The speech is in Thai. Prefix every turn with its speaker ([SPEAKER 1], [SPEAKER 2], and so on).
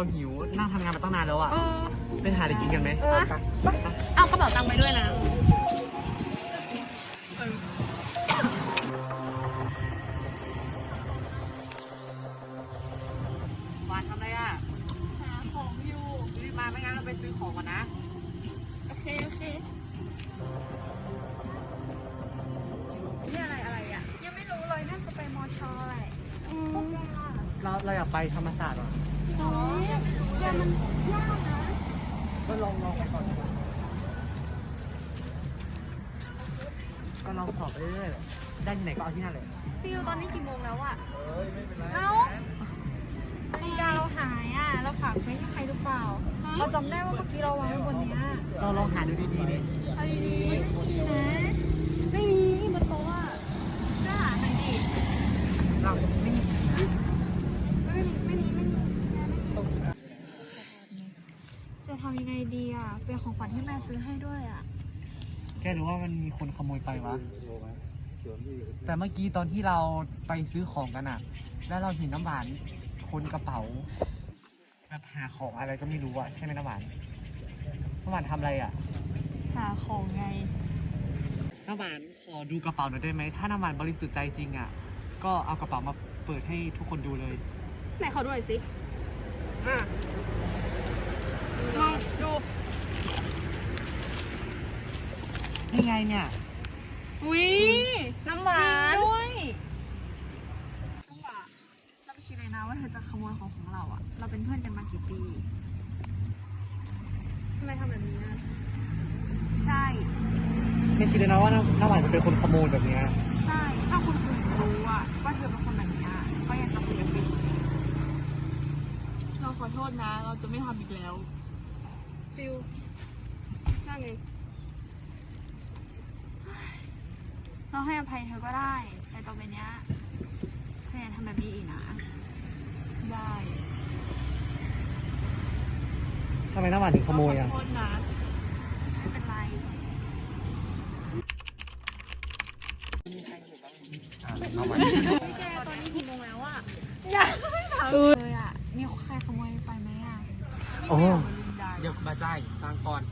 [SPEAKER 1] หิวนั่งทำงานมาตั้งนานแล้วอ่ะไปหาอะไรกินกันไหม
[SPEAKER 2] เอากระเป๋าตังค์ไปด้วยนะ
[SPEAKER 1] วานทำอะไรอ่ะ
[SPEAKER 2] หาของอยู่
[SPEAKER 1] รีบมาไม่งั้นเราไปซื้อของก่อนนะ
[SPEAKER 2] โอเคนี่อะไรอ่ะยังไม่รู้เลยน่าจะไปมอชอแหละพวกแกล่ะ
[SPEAKER 1] เราอยากไปธรรมศาสตร์อ่ะ
[SPEAKER 2] อ๋อแต่มันยากนะ
[SPEAKER 1] ก็ลองไปก่อนก็ลองสอบไปเรื่อยๆได้ที่ไหนก็เอาที่นั่นเลย
[SPEAKER 2] ฟิวตอนนี้กี่โมงแล้วอ่ะเอ้านาฬิกาเราหายอ่ะเราฝากไว้ที่ใครหรือเปล่าเราจำได้ว่าเมื่อกี้เราวางไว้บนเนี้ย
[SPEAKER 1] เราลองหาดูดีๆดิ
[SPEAKER 2] เอาดีๆไม่มีนะไม่มีบนโต๊ะอ่ะก็หาหน่อยดิ
[SPEAKER 1] เราไม่มี
[SPEAKER 2] ไม่มีจะทำยังไงดีอ่ะเป็นของขวัญที่แม่ซื้อให้ด้วยอ่ะ
[SPEAKER 1] แกรู้ว่ามันมีคนขโมยไปวะแต่เมื่อกี้ตอนที่เราไปซื้อของกันอ่ะ แล้วเราเห็นน้ำหวานคนกระเป๋าแบบหาของอะไรก็ไม่รู้อ่ะใช่ไหมน้ำหวานทำอะไรอ่ะ
[SPEAKER 2] หาของไง
[SPEAKER 1] น้ำหวานขอดูกระเป๋าหน่อยได้ไหมถ้าน้ำหวานบริสุทธิ์ใจจริงอ่ะก็เอากระเป๋ามาเปิดให้ทุกคนดูเลย
[SPEAKER 2] ไหนขอดูหน่อยสิลองดู
[SPEAKER 1] นี่ไงเนี่ย
[SPEAKER 2] อุ้ยน้ำหวานด้วยน้ำหวานเราไม่คิดเลยนะว่าเธอจะขโมยของเราอ่ะเราเป็นเพื่อนกันมากี่ปีทำไมทำแบบนี้อ่ะใช่
[SPEAKER 1] ไม่คิดเลยนะว่าน้ำหวานจะเป็นคนขโมยแบบเนี้ย
[SPEAKER 2] ใช่ถ้าคนอื่นรู้อ่ะว่าเธอเป็นคนแบบนี้ก็ยังทำแบบนี้เราขอโทษนะ เราจะไม่ทำอีกแล้วฟิวนั่นไงเราให้อภัยเธอก็ได้ แต่ต่อไปเนี้ยเธออย่าทำแบบนี้อีกนะ ได้
[SPEAKER 1] ทำไมน้ำหวานถึงขโมยอ่ะ
[SPEAKER 2] ขอโทษนะไม่เป็นไรแกตอนนี้กี่โมงแล้วอ่ะอย่าเลยอ่ะมีใครขโมยไปไหมอ่ะ
[SPEAKER 1] โอ้เดี๋ยวมาใจฟังก่อน